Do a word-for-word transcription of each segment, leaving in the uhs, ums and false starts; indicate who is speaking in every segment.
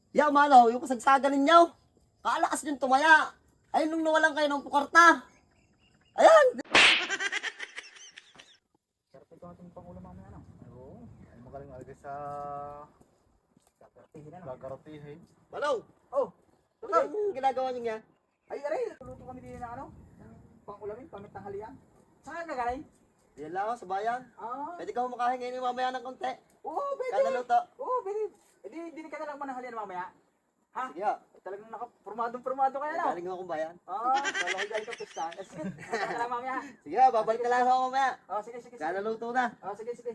Speaker 1: Ya, manaw, yung kasagsagan ninyo. Kaalakas yung tumaya. Ay, nung nawalan kayo ng pukarta. Ayan!
Speaker 2: Sarap ito ating pangulam mamaya ano? Oo. Ay magaling alagay sa gagartihin ano? Gagartihin.
Speaker 1: Manaw!
Speaker 2: Oh!
Speaker 1: Ano yung ginagawa niyo nga?
Speaker 2: Ay aray! Luto kami din na ano? Ng pangulamin, pamitanghalian. Saan ka galing?
Speaker 1: Yan lang ako sa bayan.
Speaker 2: Ah!
Speaker 1: Pwede ka humakahin ngayon mamaya ng konti.
Speaker 2: Oo, pwede!
Speaker 1: Kada luto.
Speaker 2: Oo, pwede! Eh di, di ka na lang mananghalian mamaya. Ha?
Speaker 1: Sige ha.
Speaker 2: Ay, talagang naka-formadong-formado kaya na.
Speaker 1: Galing akong bayan.
Speaker 2: Ah, wala ko galing ka pustahan. Eh, sige, punta ka lang mamaya.
Speaker 1: Sige ha, babalik na lang ako mamaya.
Speaker 2: Oh, sige, sige, sige.
Speaker 1: Kada luto na.
Speaker 2: Oh, sige, sige.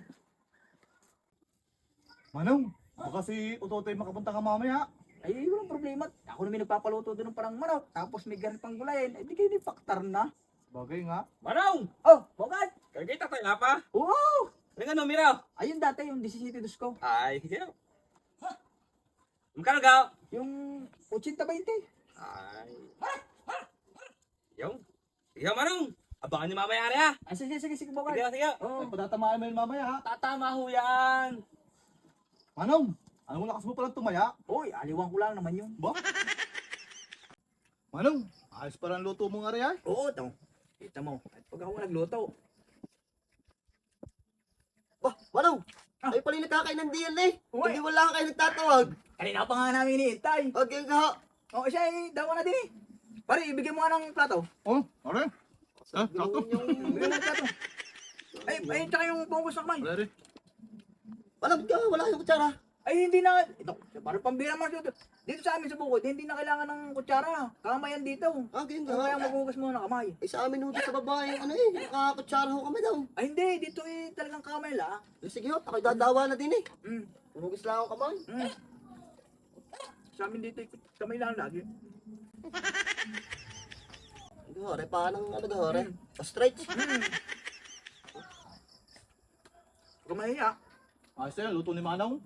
Speaker 3: Manong, baka si Utotoy makapunta ka mamaya.
Speaker 2: Ay, walang problema. Ako naman nagpapaluto doon ng parang manok. Tapos may ganit pang gulayin. Eh, di kayo ni faktar na.
Speaker 3: Bagay nga.
Speaker 4: Manong!
Speaker 2: Oh, bogad!
Speaker 4: Kagita tayo nga pa.
Speaker 2: Oo!
Speaker 4: Ano nga numero?
Speaker 2: Ayun dati, yung disisiti dos ko.
Speaker 4: Ay, sige. Magkano ka?
Speaker 2: Yung eighty twenty.
Speaker 4: Ay. Yung. Sige Manong. Abangan niyo mamaya rin ha.
Speaker 2: Ah, sige, sige, sige,
Speaker 4: Sige,
Speaker 2: bogad.
Speaker 4: sige.
Speaker 2: Oh,
Speaker 3: Ay, patatamaan mo yun mamaya ha.
Speaker 4: Tatama ho yan.
Speaker 3: Manong, anong lakas mo palang tumaya?
Speaker 2: oy, aliwang ko lang naman yun.
Speaker 3: Ba? Manong, ayos pa lang luto mo nga rin ay.
Speaker 2: Oo, ito. Kita mo, at pag ako nagluto.
Speaker 1: Bah, Manaw!
Speaker 2: Ah.
Speaker 1: Ay pala yung nakakain ng D L eh.
Speaker 2: Uy.
Speaker 1: Hindi wala kayo nagtatawag.
Speaker 2: Kanina pa nga namin iniintay.
Speaker 1: Huwag yung kaho.
Speaker 2: Oo, siya eh, dawa na din eh. Pare, ibigay mo nga ng plato.
Speaker 3: Oh, are. Ah, sakto.
Speaker 2: Ibigay mo ng plato. Ay, ay, tsaka yung pungkus na kamay.
Speaker 3: Are, are.
Speaker 1: Wala ka, wala kayong kutsara.
Speaker 2: Ay, hindi na, ito, parang pambira man dito. Dito sa amin sa bukod, hindi na kailangan ng kutsara. Kamay yan dito.
Speaker 1: Ah, ganyan
Speaker 2: Kung kaya
Speaker 1: ka.
Speaker 2: maghugas mo ng kamay.
Speaker 1: Eh sa amin ho dito sa babae, ano eh, nakakutsara ho kami daw.
Speaker 2: Ay, hindi, dito eh, talagang kamay la.
Speaker 1: Eh, sige ho, ako'y dadawa na din eh.
Speaker 2: Mm,
Speaker 1: Tumugis lang ako kamay.
Speaker 2: mm. Sa amin dito, eh, kamay lang lagi.
Speaker 1: Hindi hore, pa ng ano ga hore? Pa-stretch.
Speaker 2: Mm. Kamay ya.
Speaker 3: Ayos na yan, luto ni Manong.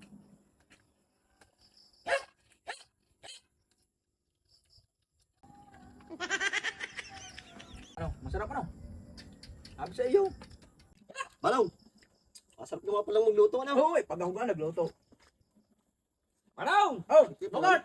Speaker 2: Ano, masarap ano? Sabi sa iyo.
Speaker 1: Manaw! Masarap naman palang magluto ano.
Speaker 2: Oo, eh, pag ako ka nagluto.
Speaker 4: Manong!
Speaker 2: Oh,
Speaker 1: Sige,
Speaker 2: Bogart!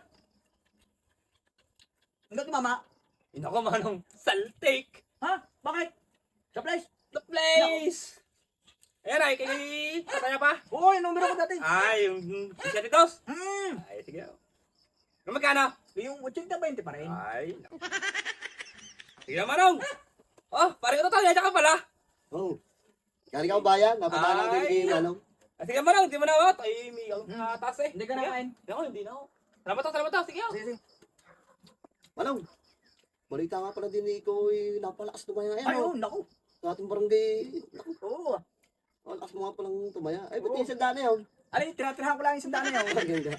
Speaker 2: Hanggang mama.
Speaker 4: Hindi ako Manong. Saltik.
Speaker 2: Ha? Bakit? Sa place?
Speaker 4: The place. Ayan ay, kay tataya pa.
Speaker 2: Oo, yung numero ko dati.
Speaker 4: Ay, yung isetitos.
Speaker 2: Hmm.
Speaker 4: Ay, sige. Ano magkano?
Speaker 2: Yung eighty twenty pa rin.
Speaker 4: Ay, naku. Sige na Manong. Oh, pare ko to, yaya ka pala.
Speaker 1: Oo. Galing ako bayan, napadaan din
Speaker 4: Ay.
Speaker 1: kay Manong.
Speaker 4: Ah, sige Manong, di mo na ako. Ay, may ang taas eh.
Speaker 2: Hindi ka
Speaker 4: Sige.
Speaker 2: nakain.
Speaker 4: Hindi ako, hindi na ako. Salamat to, salamat to. Sige ako.
Speaker 2: Sige, sige.
Speaker 1: Manong! Balita nga pala din eh, ikaw ay napalakas tumaya ngayon.
Speaker 2: Ay,
Speaker 1: oh.
Speaker 2: oo, naku.
Speaker 1: Sa ating barangay, naku,
Speaker 2: Oo.
Speaker 1: ang lakas mo nga palang tumaya. Ay, ba't
Speaker 2: Oo.
Speaker 1: yung sandaan na yun?
Speaker 2: Alay, tinatirahan ko lang yung sandaan niya. oh.
Speaker 1: Ang ganda.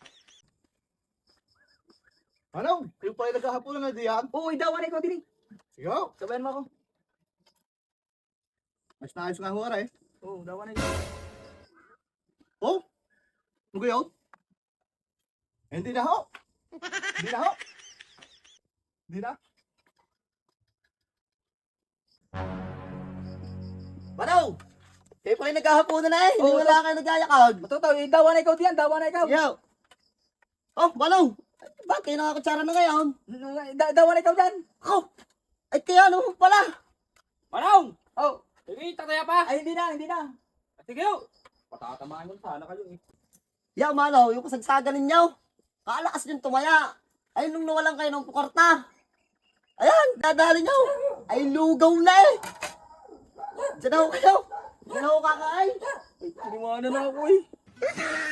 Speaker 3: Manong, kayo pala nagkahaponan na diyan.
Speaker 2: Oo, idawan na ikaw din eh.
Speaker 3: Sige ho.
Speaker 2: Sabayan mo ako.
Speaker 3: Ayos na ayos nga ho are.
Speaker 2: Oo, dawan na ikaw.
Speaker 3: Oh, ano kayo? Eh, Hindi na ho. Hindi na ho. Hindi na.
Speaker 1: Manaw! Kayo pala yung naghahaponan na eh. Hindi
Speaker 2: Oo,
Speaker 1: wala kayo nagyayakag.
Speaker 2: Matuto, idawan na ikaw diyan, dawan na ikaw.
Speaker 1: Sige ho. Oh, Manaw! Bakit kayo nakakutsara na ngayon?
Speaker 2: Da dawan na ikaw diyan.
Speaker 1: Ako! Ay, kaya ano pala?
Speaker 4: Manong!
Speaker 2: Oh,
Speaker 4: Sige, tataya pa.
Speaker 2: ay hindi na, hindi na.
Speaker 4: Sige ako. Patatamaan yun sana kayo eh.
Speaker 1: Ya, Manaw, yung kasagsagan ninyo. Kaalakas yung tumaya. Ay, nung nawalan kayo ng pukarta. Ayan, dadali nyo. Ay, lugaw na eh. Diyan na ho kayo. Diyan na ho kakain.
Speaker 4: Ay, tiniwanan na ako eh.